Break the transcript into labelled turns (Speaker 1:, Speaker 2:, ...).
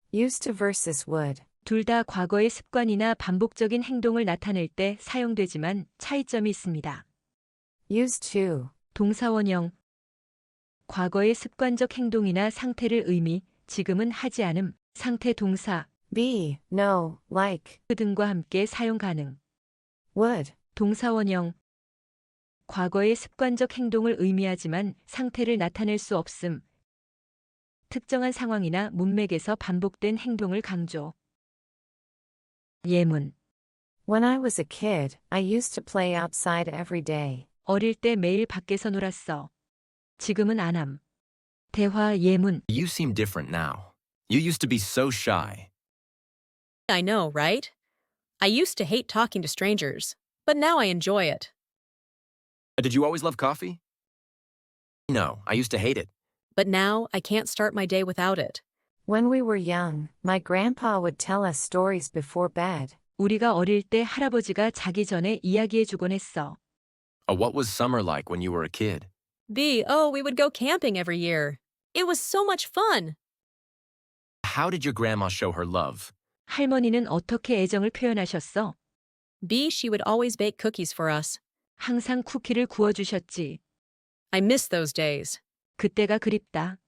Speaker 1: Used to versus would.
Speaker 2: 둘 다 과거의 습관이나 반복적인 행동을 나타낼 때 사용되지만 차이점이 있습니다.
Speaker 1: Used to.
Speaker 2: 동사원형. 과거의 습관적 행동이나 상태를 의미, 지금은 하지 않음, 상태 동사,
Speaker 1: Be, no, like.
Speaker 2: 등과 함께 사용 가능.
Speaker 1: Would.
Speaker 2: 동사원형. 과거의 습관적 행동을 의미하지만 상태를 나타낼 수 없음. 특정한 상황이나 문맥에서 반복된 행동을 강조. 예문.
Speaker 1: When I was a kid, I used to play outside every day.
Speaker 2: 어릴 때 매일 밖에서 놀았어. 지금은 안 함. 대화 예문.
Speaker 3: You seem different now. You used to be so shy.
Speaker 4: I know, right? I used to hate talking to strangers, but now I enjoy it.
Speaker 3: Did you always love coffee? No, I used to hate it.
Speaker 4: But now I can't start my day without it.
Speaker 1: When we were young, my grandpa would tell us stories before bed.
Speaker 2: 우리가 어릴 때 할아버지가 자기 전에 이야기해 주곤 했어.
Speaker 3: What was summer like when you were a kid?
Speaker 4: Oh, we would go camping every year. It was so much fun.
Speaker 3: How did your grandma show her love?
Speaker 2: 할머니는 어떻게 애정을 표현하셨어?
Speaker 4: She would always bake cookies for us.
Speaker 2: 항상 쿠키를 구워주셨지.
Speaker 4: I miss those days.
Speaker 2: 그때가 그립다.